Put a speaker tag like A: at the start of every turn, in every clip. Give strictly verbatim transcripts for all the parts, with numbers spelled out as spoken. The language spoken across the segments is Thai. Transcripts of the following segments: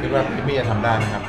A: คิดว่าพี่มี่จะทำได้ไหมครับ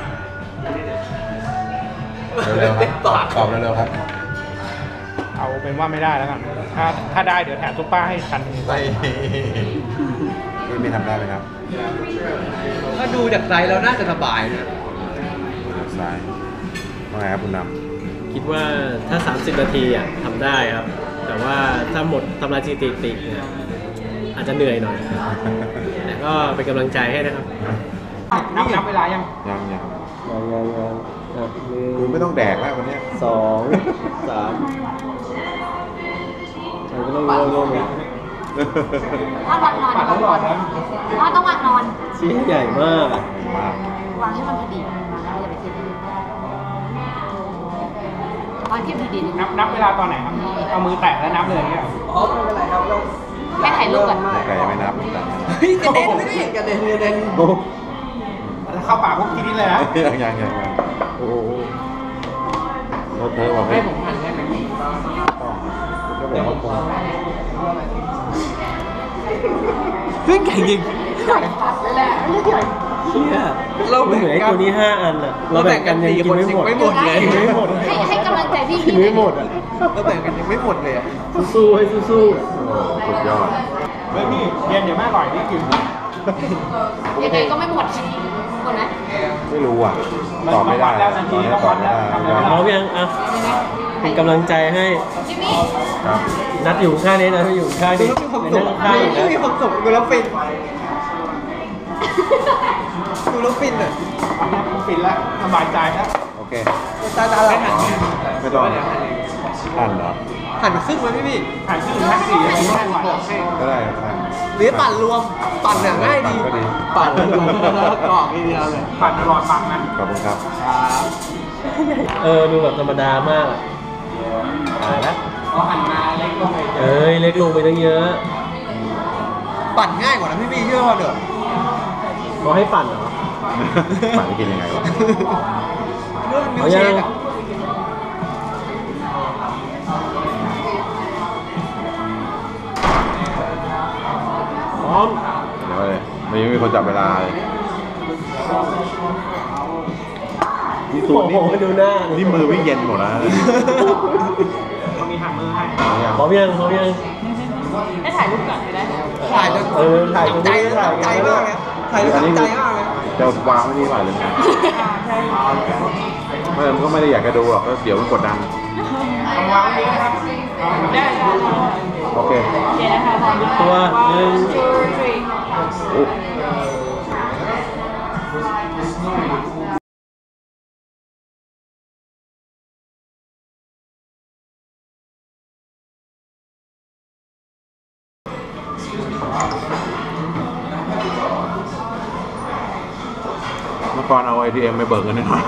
A: เร็วๆครับตอบเร็วๆครับ
B: เอาเป็นว่าไม่ได้แล้วกันถ้าถ้าได้เดี๋ยวแถมซุปเปอร์ให้คันนึง
A: ไม่พี่มี่ทำได้ไหมครับ
C: ถ้าดูจากไซส์แล้วน่าจะสบายนะ
A: สายว่าไงครับคุณน
D: ำคิดว่าถ้าสามสิบนาทีอ่ะทำได้ครับแต่ว่าถ้าหมดทำลายสถิติเนี่ยอาจจะเหนื่อยหน่อยแต่ก็เป็นกำลังใจให้นะครับ
B: นับนับเวลายัง
A: ยังยัง
D: ยังยังยัง
A: คุณไม่ต้องแดกแล้ววันนี้
D: สองสามใช่ก็ต้องร่วมร่วมกัน
E: ถ้าวันนอนถ้าต้องวันนอน
D: ชิ้นใหญ่มาก
E: วางให้มันพอดีอย่าไปเทียบวางเทียบดีๆ
B: นับนับเวลาตอนไหนครับเอามือแตะแล้วนับเลยเนี่ย
C: อ๋อไม่เป็นไรครับเรา
E: แค่ถ่ายรูปก่อน
A: ไก่ไม่นับ
C: เฮ้ยกระเด็นไม่กระเด็นกระเด็น
B: เข้าปากพวกทีนี้เลยนะ
A: ยังยังยังโอ้โหเราเธอบอก
B: ให้ผมหั่นได้ไหม
A: ก็บอกว่าควา
C: เรื่องใหญ่จริง
E: ใหญ่ตัดเลยแหละไม่ใหญ่
D: เชี่ยเราเหลือตัวนี้ห้าอันอ่ะเราแบ่งกันยังกินไม่หมด
C: ไม่หมดเลย
D: ไม่หมด
E: ให้ให้กำลังใจพี่
D: กินไม่หมดอ่ะ
C: เราแบ่งกันยังไม่หมดเลยอ่ะ
D: สู้ๆให้สู้
A: ๆสุดยอด
B: เฮ้ยพี่เย็นเดี๋ยวแม่อร่อยนี่กิน
E: ยังไงก็ไม่หมดหมดนะ
A: ไม่รู้อ่ะตอบไม่ได้ตอนนี้ตอบไม่ได้
D: พร้อมยังอ่ะเป็นกำลังใจให้
A: ครับ
D: นัดอยู่ข้างนี้นะอยู่ข้างนี้
C: ดูแล้วมีความสุขดูแล้วมีความสุขดูแล้วฟินดูแล้วฟินอ่ะ
B: ฟินแล้วสบายใจแล้ว
A: โอเค
C: ตาตาเรา
A: ไม่ต้องหั่นเหรอ
C: หั่นครึ่งไหมพี่พี่
B: หั่นครึ่งหั่นสี่
A: ก็ได้
C: หรือปั่นรวมปั่นเนี่ยง่ายดีปั่นแล้วกรอกทีเดียวเลย
B: ปั่นอร่อยปั่นนะ
A: ขอบคุณครับ
D: เออดูแบบธรรมดามากตายแล้ว
B: พอหั่นมาเล็กลงไป
D: เอ้ยเล็กลงไปตั้งเยอะ
C: ปั่นง่ายกว่านะพี่พี่เชื่อว่าเดี๋ยว
D: เขาให้ปั่นเหรอ
A: ปั่นกินยังไงวะ
C: เรื่องมิลเชคอะ
D: พร้อม
A: เดี๋ยวเลยไม่มีคนจับเวลาเลยนี่ตัวนี้
D: ดูหน้า
A: นี่มือวิ่งเย็นหมดแล้ว
B: เขามีหันมือให้
D: พร้อมยังพร้อมยัง
E: ให้ถ่ายรูปก่อนไปได้
C: ถ่ายจน
D: เออถ่ายจน
C: ใจใจมากเลยถ่ายจนใจมากเลย
A: จะวางไม่ดีกว่าเลยไม่มันก็ไม่ได้อยากจะดูหรอกก็เดี๋ยวมันกดดัน
B: วางนี้นะครับได้
A: โอเค
D: ตัวหนึ่ง
A: เมื่อก่อนเอา ไอ ที เอ็ม ไปเบิกเงินหน่อย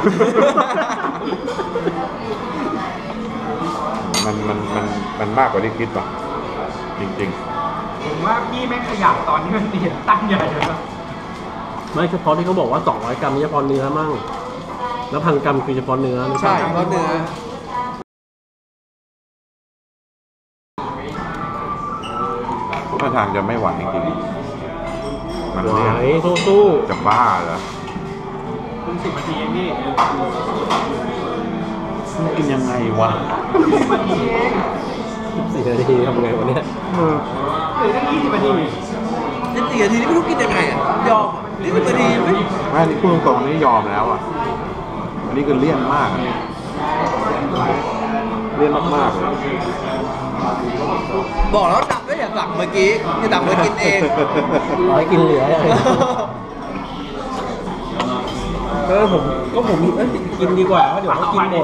A: มันมันมันมันมากกว่าที่คิดป่ะจริง
B: ๆผมว่าพี่แม่งขยับตอนที่มันเตียนตั้งใหญ่เลยนะ
D: ไม่เฉพาะที่เขาบอกว่าสองร้อยกรัมนี่เฉพาะเนื้อมั่งแล้วพันกรัมคือเฉพาะเนื้อ
C: ใช่เฉพาะเนื้อ
A: ท่าทางจะไม่ไหวจริงๆมัน
D: ไหวสู้
A: ๆจะบ้าเหรอ
B: คุณสิบนาทีเองพี่
A: กินยังไงวะ
D: สี่นาทีทำไงวะเนี่ย
B: หรือตั้งยี่สิบนาที
C: นี่สี่นาทีนี่ไม่รู้กินยังไงอ่ะยอมนี่สิบนาทีไม่
A: ไม่นี่พูดตรงๆนี่ยอมแล้วอ่ะอันนี้คือเลี่ยนมากเลี่ยนมากๆเลย
C: บอกแล้วดับด้วยอย่าสั่งเมื่อกี้อย่าดับเมื่อกินเอง
D: ร้อยกินเหลือเออผมก็ผมกินดีกว่าเพราะเดี๋ยวเขากินหมด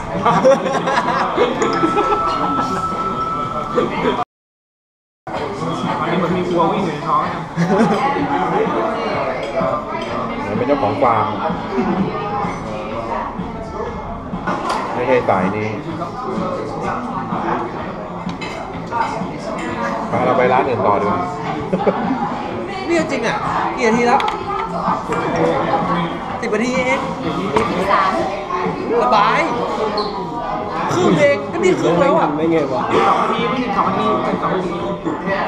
B: ตอนนี้มันมีวัววิ่งอยู่ในท้อง
A: มันเป็นเจ้าของฟาร์มไม่ใช่สายนี้ไปเราไปร้านอื่นต่อดีกว่า
C: นี่จริงอ่ะกี่นาทีแล้วสิบนาทีเอง
E: สาม
C: สบายครึ่งเองก็นี่ครึ่งแล้วอ่ะ
D: ไม่เงี้ยวะ
B: สองนาทีไม่ถึงสองนาทีเป็นสองนาที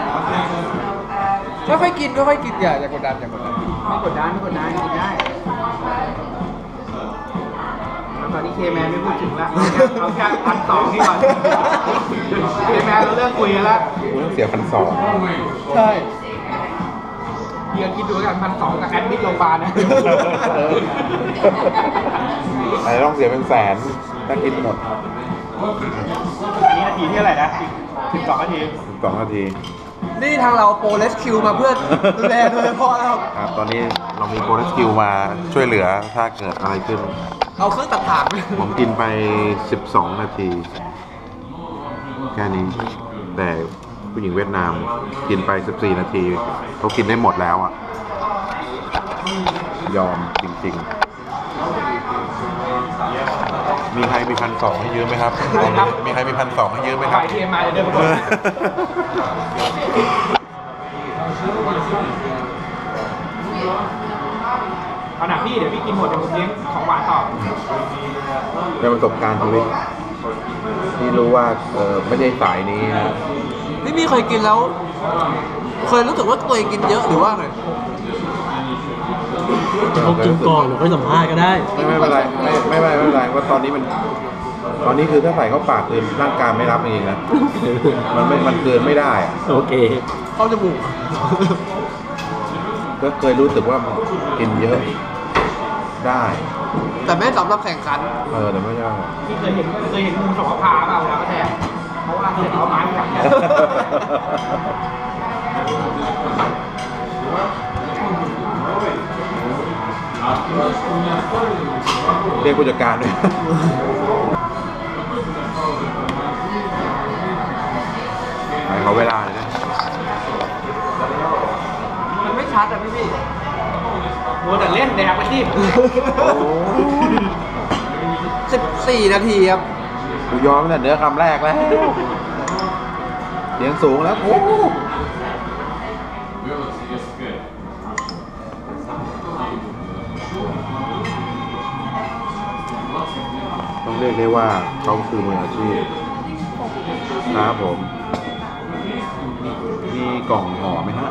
C: ค่อยๆกินค่อยๆกินอย่าอย่ากดดันอย่ากดดัน
B: ไม่กดดันไม่กดดันกินได้ตอนนี้เคแมนไม่พูดถึงละเอาแค่พันสองนี่ก่อนเคแมนเราเลิกคุยกันละ
A: กูต้องเสียพันสอง
C: ใช่
B: เดี๋ยวคิดดูกันพันสองกับแอดมิดโรงพยาบาลนะ
A: อะไรต้องเสียเป็นแสนถ้ากินหมด
B: อันนี้นาทีที่เท่าไหร่นะสิบสองนาที
A: สองนาที
C: นี่ทางเราโปรเลสคิวมาเพื่อดูแลโดยเฉพาะนะครับ
A: ครับ ตอนนี้เรามีโปรสกิลมาช่วยเหลือถ้าเกิดอะไรขึ้น
C: เอาเครื่องตัดถ่าง
A: ผมกินไปสิบสองนาที แค่นี้ แต่ผู้หญิงเวียดนามกินไปสิบสี่นาทีเขากินได้หมดแล้วอ่ะ ยอมจริงๆ มีใครมีพันสองให้ยืมไหมครับ มีใครมีพันสองให้ยืมไหมค
B: ฝ่า
A: รับ
B: ยทีเอ็มมาจะเดินมาเอาหนักพี่เดี๋ยวพี่กินหมดเดี๋ยวผมเลี้ยงของหวานต่อ
A: เป็นประสบการณ์ชีวิตที่รู้ว่าเออไม่ได้สายนี้นะ
C: นี่มีเคยกินแล้ว เคยรู้สึกว่าตัวเองกินเยอะหรือว่าไง
D: เขากินก่อนหรือค่อยสัมภาษณ์ก็ได้
A: ไม่ไม่เป็นไรไม่ไม่ไม่ไม่เป็นไรว่าตอนนี้มัน ตอนนี้คือถ้าใส่เข้าปากคือร่างกายไม่รับจริงๆนะมันไม่มันเกินไม่ได้อะ
D: โอเค
C: เข้าจมูก
A: ก็เคยรู้สึกว่ามันกินเยอะได้
C: แต่ไม่สำหรับแข่งขัน
A: เออแต่ไม่ใช่
B: พี่เคยเห็นเคยเห็นงูสองพาเปล่าเวลาก็แทงเพราะว่าเสร็จเอาไม้กัดเนี่ย
A: เรียกผู้จัดการด้วยไปขอเวลาเลยนะ
C: มันไม่ชัดอ่ะพี่พี่
B: มัวแต่เล่นแดกไปที่
C: สิบสี่นาทีครับ
A: กูยอมตั้งแต่เนื้อคำแรกแล้วเสียงสูงแล้วโอ้ต้องเรียกได้ว่าเขาคือมืออาชีพครับผม มีกล่องห่อไหมฮะ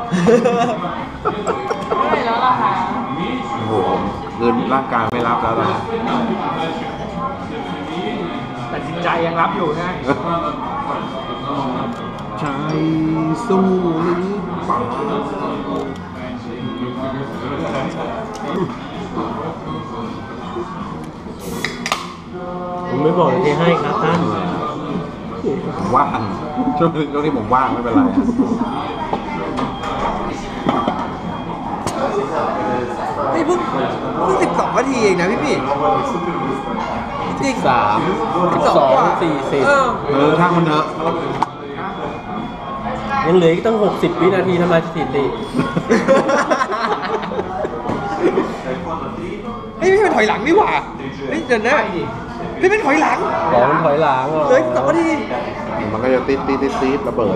E: ไม่แล้วล่ะค่ะ
A: โอ้โหคืนร่างกายไม่รับแล้วตอนนี้
B: แต่จิตใจยังรับอยู่นะ
A: ใจสู้หรือเปล่า
D: ผมไม่บอกที่ให้ครับท่าน
A: ผมว่างช่วงช่วงที่ผมว่างไม่เป็นไรอะ
C: นี่เพิ่งเพิ่งสิบสองนาทีเองนะพี่พี่จริง
D: สาม
C: สิบ
D: ส
C: ส
D: อ
C: อง
D: ง
C: กว่า
D: สี่สิบ
C: เออ
A: เออช่างมันเถอะ
D: ยังเหลืออีกตั้งหกสิบวินาทีทำลายสถิติ
C: เฮ้ยพี่เป็นถอยหลังนี่หว่าเฮ้ยเดี๋ยวนะพี่เป็นถอยหลัง
D: บอกมันถอยหลังเหรอ
C: เหลยสองนาที
A: มันก็จะติดติดติดติดระเบิด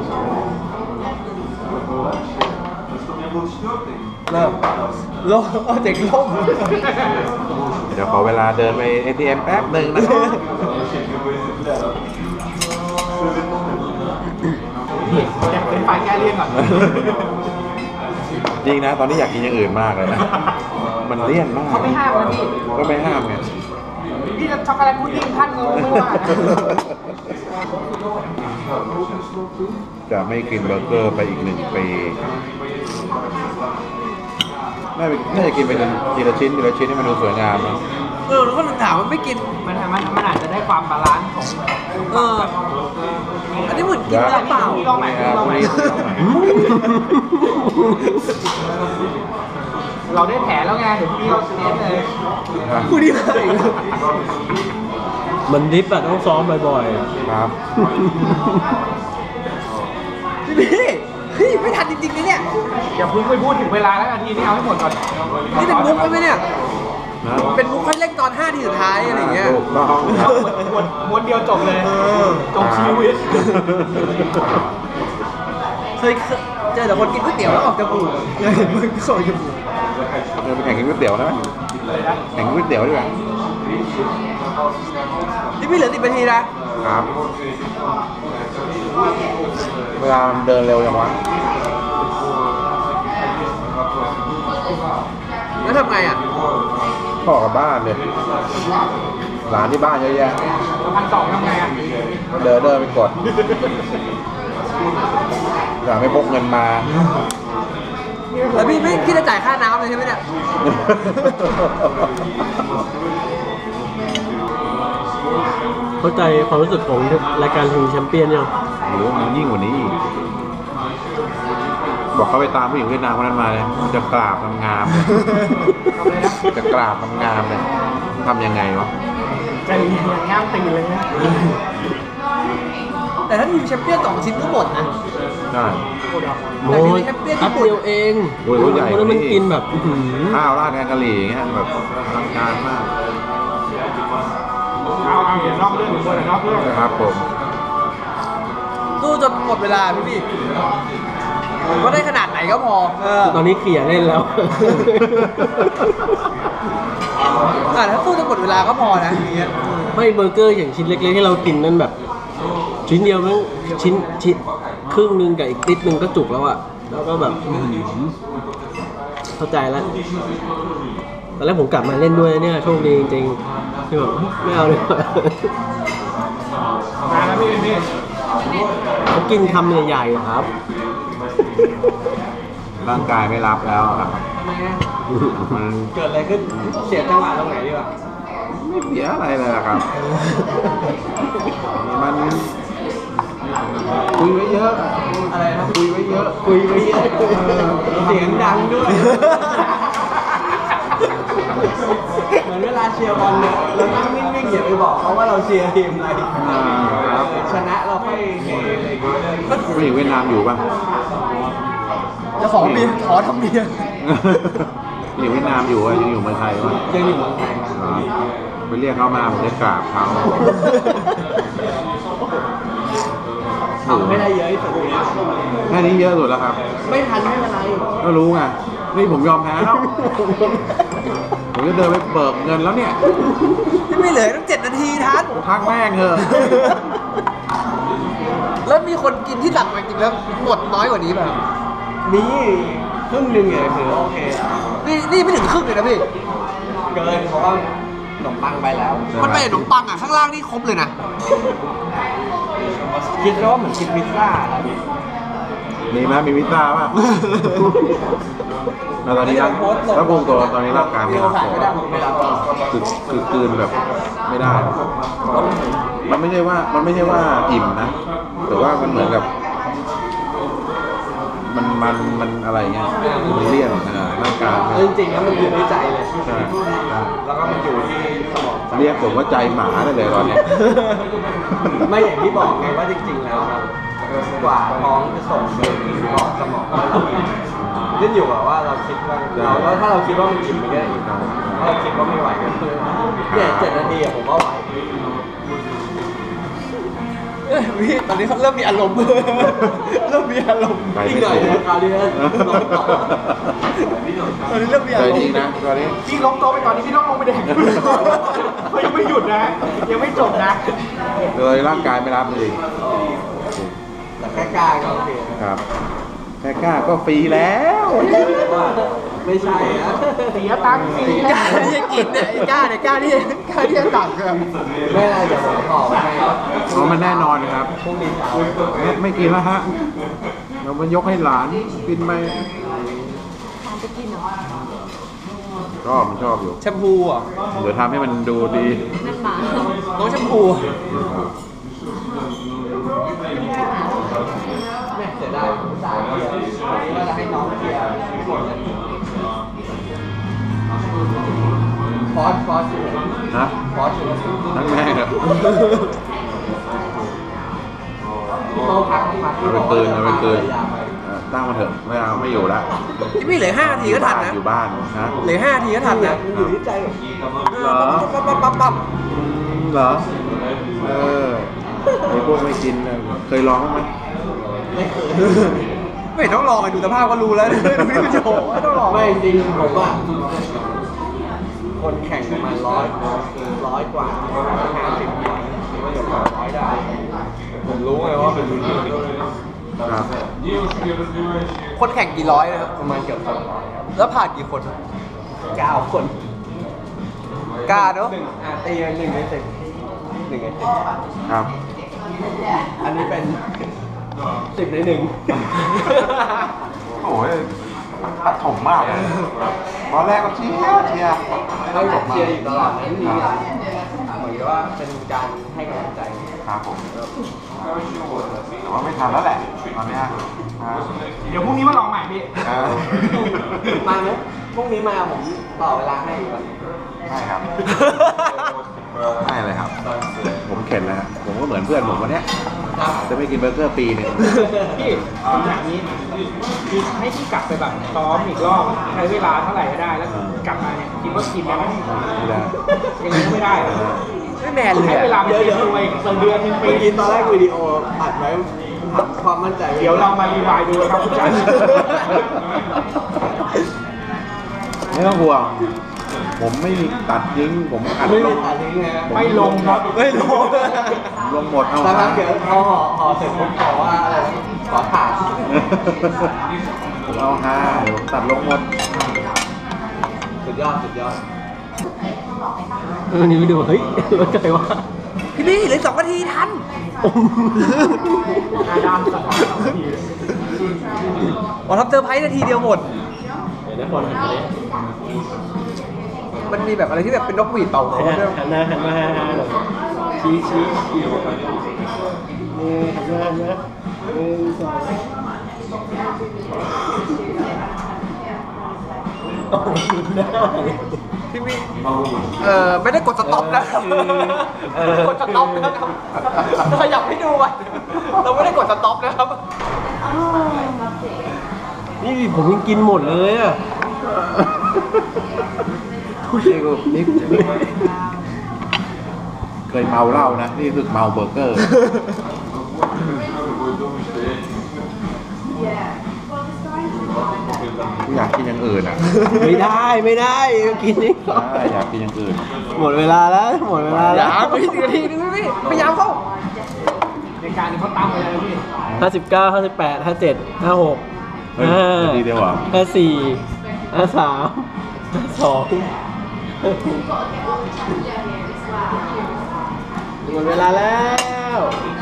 C: เริ่มลงเอาเด็กลง
A: เดี๋ยวขอเวลาเดินไป เอ ที เอ็ม แป๊บหนึ่งนะครับ
B: อยากเป็นฝ่ายแก้เลี่ยงก่อน
A: จริงนะ ตอนนี้อยากกินอย่างอื่นมากเลยนะ มันเลี่ยนมาก
B: เขาไม่ห้ามนะพี่
A: ก็ไม่ห้ามไง
B: พี่จะช็อกโกแลตพุดดิ้งท่านก็ไม่ว่านะ
A: จะไม่กินเบอร์เกอร์ไปอีกหนึ่งปีน่าไปน่าจะกินไปทีละชิ้นทีละชิ้นให้มันดูสวยงามนะ
C: เออแล้วก็ถามมันไม่กิน
B: มันมันมันอาจจะได้ความบาลานซ์ของ
C: เออ อันนี้เหมือนกินน้ำเปล่า
B: พี่ลองใหม่พี่ลองใหม่ เราได้แผลแล้วไงเดี๋ยวพี่เราเน้นเลย
C: ผู้ดีเลย
D: มันดิฟอะต้องซ้อมบ่อย
A: ครับ
C: พี่พี่เฮ้ยไม่ทันจริงๆนะเนี่ย
B: อย่าเพิ่งไปพูดถึงเวลาแล้วนาทีนี้เอาให้หมดก่อน
C: นี่เป็นมุกใช่ไหมเนี่ย
A: นะ
C: เป็นมุกคันเร่งตอนห้าทีสุดท้ายอะไรอย่างเงี้ย
A: ถูกต้องครับ
B: ม้วนม้วนเดียวจบเลย
C: เออ
B: จบชีวิต
C: เคยเจอแต่คนกินก๋วยเตี๋ยวแล้วออกจมูกเลยเห็นมึงก็ออกจมูก
A: เดินไปแข่งกินก๋วยเตี๋ยวได้ไหม
B: เลยนะ
A: แข่งกินก๋วยเตี๋ยวดีกว่า
C: นี่พี่เหลือสิบนาทีนะครับ
A: เวลามันเดินเร็วจังวะ
C: แล้วทำไงอ่ะ
A: พ่อกลับบ้านเลยหลานที่บ้านเยอะแยะ
B: พันสองทำไงอ่ะ
A: เดินเดินไปกดอยากไม่พกเงินมา
C: แล้วพี่ไม่คิดจะจ่ายค่าน้ำเลยใช่ไหมเนี่ย
D: เข้าใจความรู้สึกของรายการทีมแชมเปี้ยนยัง
A: หรือมันยิ่งกว่านี้อีกบอกเขาไปตามผู้หญิงเวียดนามคนนั้นมาเลยมันจะกราบงามๆเลย
B: ทำอะไรนะ
A: จะกราบงามๆเลยทำยังไงวะ
B: ใจเย็นๆง่ามตีเลยนะ
C: แต่ถ้าทีมแชมเปี้ยนสองชิ้นก็หมดนะ
A: ใช่
D: โอ้ยแป๊บเดียวเอง
A: โอ้ยรถใหญ่
D: แล้วมัน
A: กว่านี้
D: กินแบบอื้อหือ
A: ข้าวราดแกงกะหรี่อย่างเงี้ยแบบอลังการมาก
B: เอาเอาอย่านอกเรื่องหรือว่านอกเรื่อง
A: นะครับผม
C: สู้จนหมดเวลาพี่พี่ก็ได้ขนาดไหนก็พอเออ
D: ตอนนี้เขี่ยเล่นแล้ว
C: อ่ะถ้าสู้จนหมดเวลาก็พอนะอย่างเงี้ย
D: ไม่เบอร์เกอร์อย่างชิ้นเล็กๆที่เรากินนั่นแบบ ชิ้นเดียวมั้งชิ้นชิ้นครึ่งหนึงกับอีกนิดนึงก็จุกแล้วอะแล้วก็แบบอื้อหือเข้าใจแล้วตอนแรกผมกลับมาเล่นด้วยเนี่ยโชคดีจริงๆที่แบบไม่เอาเลยว่ะ
B: มาแล้วพี่พี่
D: เขากินคำใหญ่ๆครับ
A: ร่างกายไม่รับแล้วครับมัน
C: เกิดอะไรขึ้นเสียจังหวะตรงไหนดีวะ
A: ไม่เสียอะไรเลยอะครับ มันคุยไว้เยอะ
C: อะไรนะ
A: คุยไว้เยอะ
C: คุยไปเยอะเสียงดังด้วย เหมือนเวลาเชียร์บอลเนี่ยเรานั่งนิ่งๆอย่าไปบอกเขาว่าเราเชียร์ทีมอะไร
A: อ่าครับ
C: ชนะเราค่อยเฮอะไรอย่างเงี้ย
A: ผู้หญิงเวียดนามอยู่ป่ะ
C: จะขอเบียร์ขอทำเบียร์
A: ผู้หญิงเวียดนามอยู่อะยังอยู่เมืองไทยป่ะ
C: ยังอยู่เมืองไทย
A: อ๋อไปเรียกเขามาผมจะกราบเขา
C: ทำไม่ได้เยอะที่สุดเลย
A: แค่นี้เยอะสุดแล้วครับ
C: ไม่ทันไม่เป็นไร
A: ก็รู้ไงนี่ผมยอมแพ้แล้ว ผมจะเดินไปเบิกเงินแล้วเนี่ย
C: ที่ไม่เหลือตั้งเจ็ดนาทีทัน
A: ทักแม่งเถอะ
C: แล้วมีคนกินที่หลังมาจริงแล้วหมดน้อยกว่านี้ป่ะมีครึ่งหนึ่งเลยคือโอเคนี่นี่ไม่ถึงครึ่งเลยนะพี่เกินเพราะว่าขนมปังไปแล้ว มันไปขนมปังอ่ะข้างล่างนี่ครบเลยนะคิดว่าเหมือนกินพิซซ่าครับ
A: มีไหมมีวิซ่าป่ะ แล้วตอนนี้ร่างถ้าพุงตัวตอนนี้ร่างกายไม่รับ
C: ไม่ได้ไม่ได้
A: คือคือกลืนแบบไม่ได้ มันไม่ใช่ว่ามันไม่ใช่ว่าอิ่มนะ แต่ว่ามันเหมือนกับ มันมันมันอะไรเงี้ยมันเลี่ยนอ่าร่างกาย
C: จริงๆแล้วมันอยู่ในใจเลย
A: ใช่ใช่
C: แล้วก็มันอยู่ที่สมอง
A: เรียกผมว่าใจหมาได้เลยตอนเนี้ย
C: ไม่อย่างที่บอกไงว่าจริงๆแล้วครับกว่าท้องจะส่งไปถึงบอกสมองว่าเราอิ่มขึ้นอยู่กับว่าเราคิดว่าเราแล้วถ้าเราคิดว่ามันอิ่มมันก็อิ่มถ้าเราคิดว่าไม่ไหวก็คือเนี่ยเจ็ดนาทีอะผมว่าไหวเอ้ยพี่ตอนนี้เขาเริ่มมีอารมณ์ เริ่มมีอารมณ์
A: ไปไม่
C: อีกหน่อย
A: ถูก
C: นะคราวนี้นะลองต่อตอนนี้เริ่มมี
A: ใจ
C: อารม
A: จริง
C: ณ์
A: นะตอนนี้
B: พี่ล้มโต๊ะไปตอนนี้พี่ต้องลงไปแดกเขายังไม่หยุดนะ ยังไม่จบนะ
A: เลยร่างกายไม่รับจริง
C: แต่แค่กล้าก็โอเค
A: ครับแค่กล้าก็ฟรีแล้ว
C: ไม่ใช่นะ
B: เสียตังค์ฟรี
C: กล้าที่จะกินเนี่ยกล้าเนี่ยกล้าที่กล้าที่จะตักครับไม่อะไรเดี๋ยวผมขอไป
A: เพราะมันแน่นอนครับ
C: พรุ่งนี้เช้า
A: ไม่ไม่กินแล้วฮะเรามันยกให้หลานกินไป
E: ทานจะกินเหรอ
A: ชอบมันชอบอยู่
C: แชมพูอ่ะ
A: เดี๋ยวทำให้มันดูดี
E: นั่นหมา
C: น้องแชมพูเนี่ยเสียดายผมสายเกียร์วันนี้ว่าจะให้น้องเกียร์หมดเลยฟอสฟอส
A: นะ
C: ฟอส
A: ทั้งแม่ครับ
C: พี่โต้พักพัก
A: เอาไปคืนเอาไปคืนเออตั้งมาเถอะไม่เอาไม่อยู่ละ
C: ที่พี่เหลือห้านาทีก็ทันนะ
A: อยู่บ้านนะ
C: เหลือห้านาทีก็ทันนะอยู่ที่ใจ
A: เหรอ
C: ปั๊บปั๊บปั๊บปั๊บ
A: อืมเหรอเออไอ้พวกไม่กินน่ะเคยลองบ้างไหม
C: ไม่เคยไม่ต้องลองไปดูสภาพก็รู้แล้วดูที่มันโชว์ไม่ต้องลองไม่จริงผมว่าคนแข่งประมาณร้อยร้อยกว่าห้าสิบกว่าเกือบร้อยได้ผมรู้ไงว่าเป็นรุ่นนี้
A: ครับ
C: คนแข่งกี่ร้อยนะครับประมาณเกือบสองร้อยครับแล้วผ่านกี่คนเก้าคนกล้าเนาะอ่ะตีกันหนึ่งในสิบหนึ่งในสิบ
A: ครับ
C: อันนี้เป็นสิบในหนึ่ง
A: โอ้ยตัดถมมากเลยตอนแรกก็เชียร์เชียร์
C: ให้ผมเชียร์อยู่ตลอดนั้นนี่เหมือนกับว่าเป็นการให้กำลังใจ
A: ครับผมแต่ว่าไม่ทันแล้วแหละตอนเนี้ยอ่า
B: เดี๋ยวพรุ่งนี้มาลองใหม่พี่
A: เออ
C: มาไหมพรุ่งนี้มาผมต่อเวลาให้อีกวัน
A: ไม่ครับไม่เลยครับ ผมเข็ดแล้วครับผมก็เหมือนเพื่อนผมวันเนี้ยจะไม่กินเบอร์เกอร์ปีหนึ่ง
B: พี่ผมอย่างนี้คือให้พี่กลับไปแบบซ้อมอีกรอบใช้เวลาเท่าไหร่ก็ได้แล้วกลับมาเนี่ยคิดว่ากินแล้ว
A: ไม่ได้
B: ยังไงก็ไม่ได้
C: ไม่แมนเลย
B: ใช้เวลาเป็นเดือนเลยเดือนหนึ่งปี
C: เมื่อกี้ตอนแรกวิดีโออัดไว้ถามความมั่นใจ
B: เดี๋ยวเรามารีวายดูครับคุณจัน
A: ไม่ต้องห่วงผมไม่ตัดทิ้งผมอัด
C: ไม่
A: ล
C: ล
A: ง
C: งอัดทิ้งไง
B: ไม่ลงครับ
C: ไม่ลง
A: ลงหมดเอา
C: สักพักเดี๋ยวพอห่อห่อเสร็จผมขอว่าอะไรขอถ่าย
A: ผมเอาห้าเดี๋ยวผมตัดลงหมด
C: สุดยอดสุดยอด
D: เออนี่ไปดูเฮ้ยว่าใจว่า
C: พี่ลี่เหลือสองนาทีทัน
B: อาดามสะท้อนสองนาที
C: อ๋อทำเซอร์ไพรส์นาทีเดียวหมด
D: เดี๋ยวนะคนหันไปเลย
C: มันมีแบบอะไรที่แบบเป็นนกหวีดเป่าเขาด้วย
D: หันหน้าหันมาหันหน้าหน่อยชี้ชี้ชี้นี่หันมาหันมาหนึ่งสองโอ้โหหน้าเลย
C: พี่มี่เออไม่ได้กดสต็อปนะครับ
D: เออ
C: กดสต็อปนะครับขยับให้ดูอ่ะเราไม่ได้กดสต็อปนะครับ
D: นี่ผมยังกินหมดเลยอ่ะ
A: นี่กูนี่เคยเมาเหล้านะ นี่คือเมาเบอร์เกอร์ กูอยากกินอย่างอื่นอ่ะ
D: ไม่ได้ไม่ได้กินนี่
A: ใช่อยากกินอย่างอื่น
D: หมดเวลาแล้วหมดเวลา
C: อ
D: แล้
C: ย่าว ไปทีนาทีนึงพี่พยายามเข้า
B: ในการนี้เขาตามไปเลยพี่
D: ห้าสิบเก้าห้าสิบแปดห้าเจ็ดห้าหก
A: เฮ้ย
D: ห้า
A: นาทีเดียวเหรอ
D: ห้าสี่ห้าสามห้าสองหมดเวลาแล้ว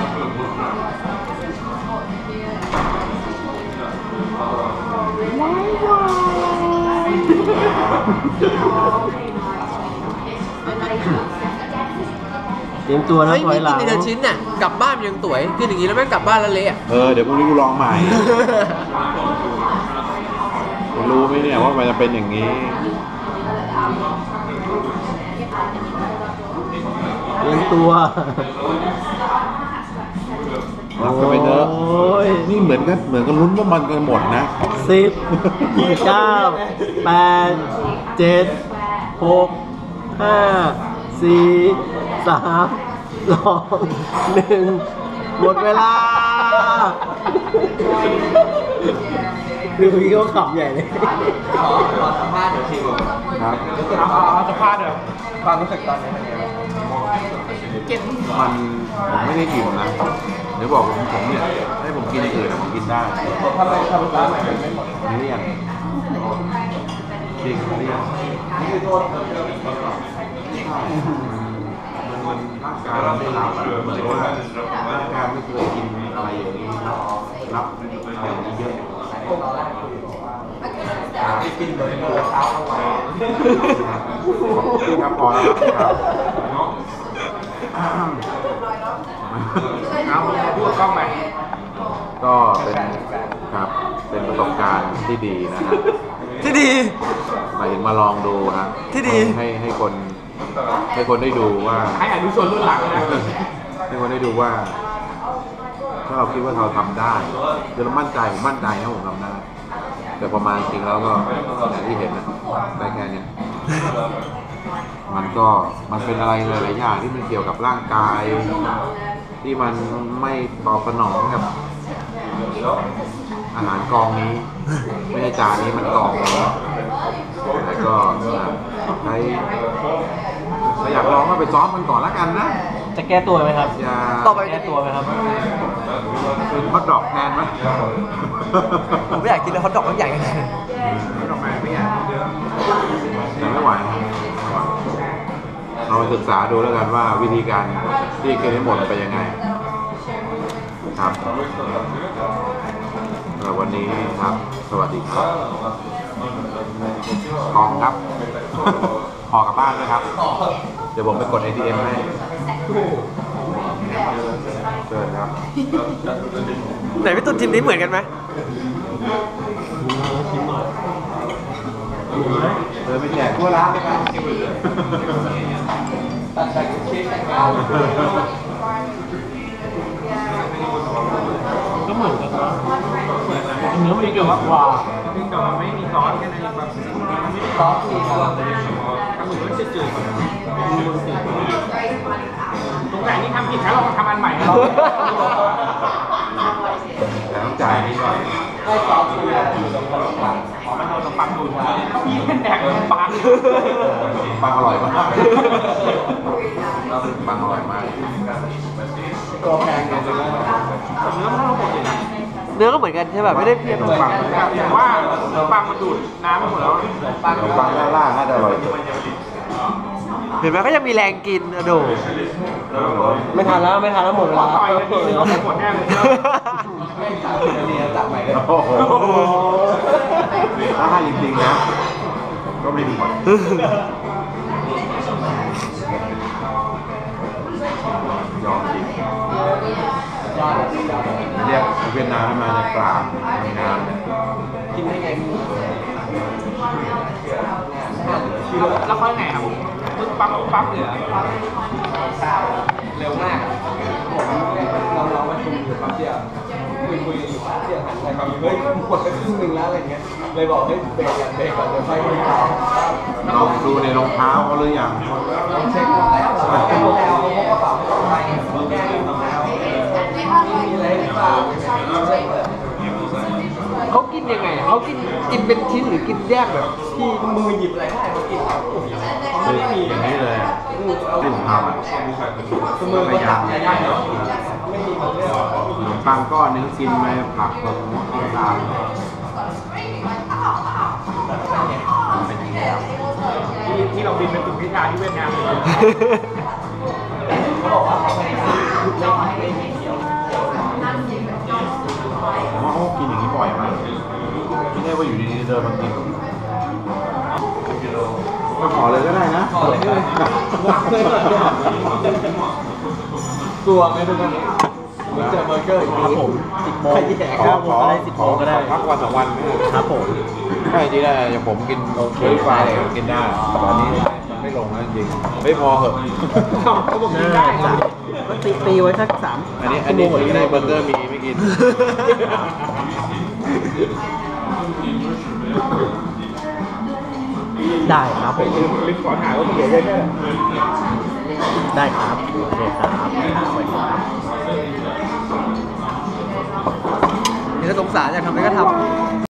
D: เตรียมตัวนะ
C: เฮ้ย
D: ถอ
C: มี
D: ยหลั
C: กิน
D: ง
C: ในละชิ้นน่ะกลับบ้านยังสวยกินอย่างนี้แล้วแม่งกลับบ้านแล้วเละอ่ะ
A: เออ เดี๋ยวพรุ่งนี้กูลองใหม่ รู้ไหมเนี่ยว่ามันจะเป็นอย่างนี้
D: เตรียมตัว
A: รับกันไปเถอะ
D: โอ้ย
A: นี่เหมือนกันเหมือนกันลุ้นว่ามันกันหมดนะ
D: สิบเก้าแปดเจ็ดหกห้าสี่สามสองหนึ่งหมดเวลาดูพี่เขาขำใหญ่เลย
C: ขอขอสัมภาษณ์เดี๋ยวชิม
A: ครับ
B: เอาเอาสภาพเดี๋ยว
C: ความรู้สึกตอนนี้เป็นไงบ้าง
B: เก็บ
A: มันผมไม่ได้อิ่มนะเดี๋ยวบอกผมผมเนี่ยให้ผมกินอย่างอื่นนะผมกินได้
C: ทำไมทำร้านใหม่ไม่หมด
A: ไม่เลี่ยนจริงเลี่ยนนี่คือโทษมันมันร่างกายเราไม่รับอะเหมือนว่าร่างกายไม่เคยกินอะไรอย่างนี้รับอะไรอย่างนี้เยอะ
C: กินเบอร์เกอร์เช้าเข้าไป
A: ครับพอแล้วครับ
B: เอาพูดกล้องไป
A: ก็เป็นครับเป็นประสบการณ์ที่ดีนะฮะ
C: ที่ดี
A: หมายถึงมาลองดูฮะ
C: ที่ดี
A: ให้ให้คนให้คนได้ดูว่า
B: ให้อนุชนรุ่นหลังนะ
A: ให้คนได้ดูว่า ถ้าเราคิดว่าเราทำได้คือเรามั่นใจผมมั่นใจนะผมทำได้ แต่ประมาณจริงแล้วก็อย่างที่เห็นนะได้แค่เนี้ยมันก็มันเป็นอะไรหลายๆอย่างที่มันเกี่ยวกับร่างกาย ที่มันไม่ตอบสนองกับอาหารกองนี้ ไม่ใช่จานนี้มันกองนี้แล้วก็ใครใครอยากลองก็ไปซ้อมกันก่อนละกันนะ
D: จะแก้ตัวไหมครับ
A: อย่า
C: ต่อไป
D: แก้ตัวไหมครับ
A: เป็นฮอตดอกแทนไหม
C: ผมไม่อยากกินเลยฮอทดอกมันใหญ่ขนาดนั้น
B: ดอกไม้ไม่อยาก
A: แต่ไม่ไหวเอาไปศึกษาดูแล้วกันว่าวิธีการที่กินให้หมดเป็นยังไงครับเอ่อวันนี้ครับ สวัสดีครับกองครับ ห่อกลับบ้านด้วยครับ เดี๋ยวผมไปกด เอ ที เอ็ม ให้เชิญครับ
C: ไหนพี่ตุ้นทีมนี้เหมือนกันไหม
A: เดินไปแจกทั่วร้านเลยครับ
D: ก็เหมือนกันนะเนื้อมันเกี่ยวกับกว่า
B: เพียงแต่ว่าไม่มีซอสแค่นั้นเองแบบมันไม่ได้
C: ซอสมีครับ
B: ทำเหมือนว่าจืดๆตรงไหนที่ทำผิดแล้วเราทำอันใหม่นะเรา
A: แต่ต้องจ่ายนี่ก่อน
C: ให้ซอสมีตรงกลาง
B: ขอมันโดนตรงปังดูดพี่เป็นแดกขนมปัง
A: ปังอร่อยมากปังอร่อยมาก
C: ตัวแพงเลยใช่ไหม
B: เนื้อมันเท่าเราหมดเลยนะ
C: เนื้อก็เหมือนกันใช่ป่ะไม่ได้เพี้ยน
A: ขนมปัง
B: แต่ว่าปังมันดูดน้ำไปหมดแล้ว
A: ขนมปังด้านล่างน่าจะอร่อยสุด
C: เห็นไหมก็ยังมีแรงกินอะโด
D: ไม่ทันแล้วไม่ทันแล้วหมดเวลา
B: ต่อยกันทีนึงเราหมดแน่เลย
A: โอ้โหถ้าให้จริงๆนะก็ไม่มียอมจริงเรียกเวียดนามมาจะกราบทำงาน
C: กินได้ไง
B: แล้วค่อยไงครับปึ๊บปั๊บปึ๊บปั๊บเลยเหรอ
C: เร็วมากผมเราเรามาชุมอยู่แป๊บเดียวคุยคุยอยู่แป๊บเดียวหันไปแบบเฮ้ยหมดไปครึ่งหนึ่งแล้วอะไรเงี้ยเลยบอกให้เบรกกันเบรกก่อนเดี๋ยวไฟมันต่อ
A: ลองดูในรองเท้าเขาหรือยัง
C: เช็คแล้วแล้วเขาแล้วเขากระเป๋าไปแก้รองเท้ามีอะไรหรือเปล่าเขากินยังไงเขากินกินเป็นชิ้นหรือกินแยกแบบที่มือหยิบอะไรได้เขากินเขา
A: คืออย่างนี้เลยที่ผมทำอ่ะ
C: คือมือ
A: พ
C: เขา
A: ยายา
C: จั
A: ม
C: บอะไรได้เนาะไม่มีมันเรื่อง
A: ขนมปังก้อนนึงกินไปผักแบบตามเป็นอย่างนี้แล้ว
B: ที่ที่เราบินไปถึงพิธาที่เวียดนามเลย
C: เขาบอกว่าเขาไม่ได้ไม่ไม่เกี่ยว
A: ผมว่าเขากินอย่างนี้บ่อยมากไม่ใช่ว่าอยู่ดีๆเดินมากินก็ขอเลยก็ได้นะ
C: ขอเลยเลยกลัวไหมทุกคนเจอเบอร์เกอร์ครับผมสิบโมงแย่
A: ขอ
C: เก้า
A: ข
C: โม
A: อง
C: ก็ได้สิบ
A: ข
C: โม
A: อง
C: ก็ได้
A: พักวันสองวันไม่
C: ครับผม
A: ใช่จริงได้อย่างผมกินเฟรนช์ฟรายอะไรก็กินได้แต่ตอนนี้มันไม่ลงแล้วจริงไม่พอเหอะ
B: เขาบอกกินได้ครับ
C: ก็ตีตีไว้สักสาม
A: อันนี้อันนี้อันนี้เบอร์เกอร์มีไม่กิน
C: ได้ครับผม
B: ลืมขอถ่ายว่ามันเหลือเยอะแค่ไหน
C: ได้ครับโอเคครับนี่ก็สงสารอยากทำอะไรก็ทำ